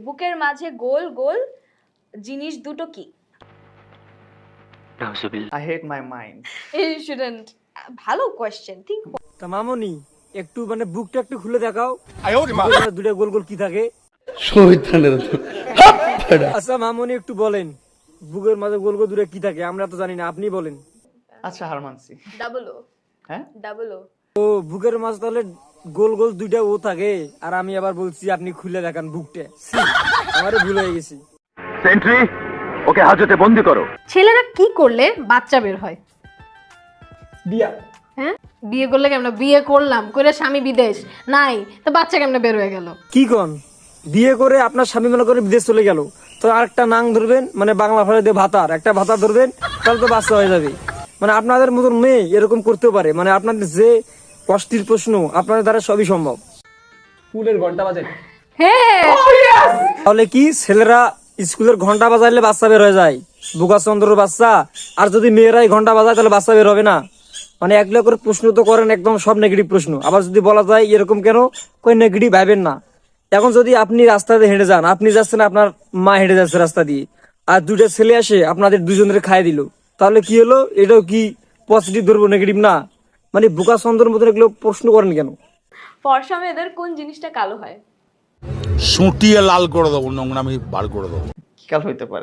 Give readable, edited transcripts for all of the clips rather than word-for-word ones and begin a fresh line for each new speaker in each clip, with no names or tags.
বুকের মাঝে গোল গোল জিনিস দুটো কি?
I hate my mind.
You shouldn't. ভালো কোয়েশ্চেন, থিঙ্ক।
তা মামনি একটু মানে বুকটা একটু খুলে দেখাও, দুটো গোল গোল কি থাকে। আচ্ছা মামনি একটু বলেন বুকের মাঝে গোল গোল দুটো কি থাকে, আমরা তো জানি না, আপনি বলেন।
আচ্ছা হার মানছি।
Double O.
হ্যাঁ
ডাবল ও।
ও বুকের মাঝে তাহলে গোল গোল দুইটা ও থাকে, আর আমি আবার বলছি আপনি খুলে দেখান বুকটা। আমারে ভুল হয়ে গেছি।
সেন্ট্রি, ওকে হাজতে বন্দি করো।
ছেলেরা কি করলে বাচ্চা বের হয়?
বিয়া।
হ্যাঁ, বিয়ে করলে কেমন? বিয়ে করলাম করে স্বামী বিদেশ নাই, তো বাচ্চা কেমনে বের হয়ে গেল?
কি কন, বিয়ে করে আপনার স্বামী মনে করে বিদেশ চলে গেল, তো আরেকটা নাং ধরবেন, মানে বাংলা ভাষায় দিয়ে ভাতার একটা ভাতা ধরবেন, তাহলে তো বাচ্চা হয়ে যাবে। মানে আপনাদের মতন মেয়ে এরকম করতেও পারে, মানে আপনাদের যে কষ্টের প্রশ্ন আপনাদের দ্বারা সবই সম্ভব।
স্কুলের ঘন্টা বাজে।
হ্যাঁ,
তাহলে কি ছেলেরা স্কুলের ঘন্টা বাজাইলে বাচ্চা বের হয়ে যায়, বোকাচন্দ্রের বাচ্চা, আর যদি মেয়েরাই ঘন্টা বাজায় তাহলে বাচ্চা বের হবে না? মানে একলা করে প্রশ্ন তো করেন একদম সব নেগেটিভ প্রশ্ন, আবার যদি বলা যায় এরকম কেন, কই নেগেটিভ ভাবেন না। এখন যদি আপনি রাস্তা দিয়ে হেঁটে যান, আপনি যাচ্ছেন, আপনার মা হেঁটে যাচ্ছে রাস্তা দিয়ে, আর দুইটা ছেলে আসে আপনাদের দুজনের খাই দিল, তাহলে কি হলো? এটাও কি পজিটিভ ধরবো, নেগেটিভ না? মানে বোকাচন্দ্রের মতন এগুলো প্রশ্ন করেন কেন?
ফর্সা মেয়েদের কোন জিনিসটা কালো হয়?
সুটিয়ে লাল করে দেবো, নোংরামি বার করে দেবো।
কি কাল হইতে পারে?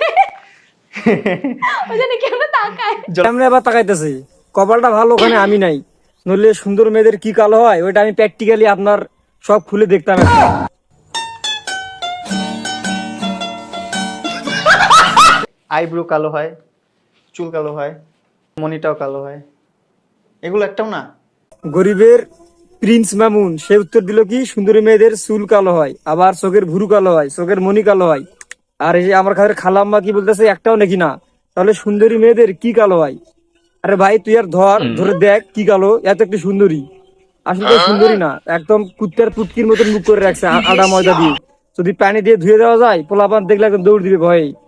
ওই জন্য কেন তাকায়?
আমরা আবার তাকাইতেছি, কপালটা ভালো ওখানে আমি নাই, নইলে সুন্দর মেয়েদের কি কালো হয় ওইটা আমি প্র্যাকটিক্যালি আপনার সব খুলে দেখতাম।
আইব্রো কালো হয়, চুল কালো হয়, মনিটাও কালো হয়, এগুলো একটাও না।
গরিবের প্রিন্স মামুন সে উত্তর দিল কি সুন্দরী মেয়েদের চুল কালো হয়, আবার চোখের ভুরু কালো হয়, চোখের মনি কালো হয়। আর এই যে আমার কাছে খালাম্মা কি বলতেছে, একটাও নাকি না। তাহলে সুন্দরী মেয়েদের কি কালো হয়? আরে ভাই তুই আর ধরে দেখ কি কালো, এত একটু সুন্দরী, আসলে তো সুন্দরী না, একদম কুত্তার পুটকির মতন মুখ করে রাখছে আদা ময়দা দিয়ে। যদি পানি দিয়ে ধুয়ে দেওয়া যায় পোলাপান দেখলে একদম দৌড় দিবে ভয়ে।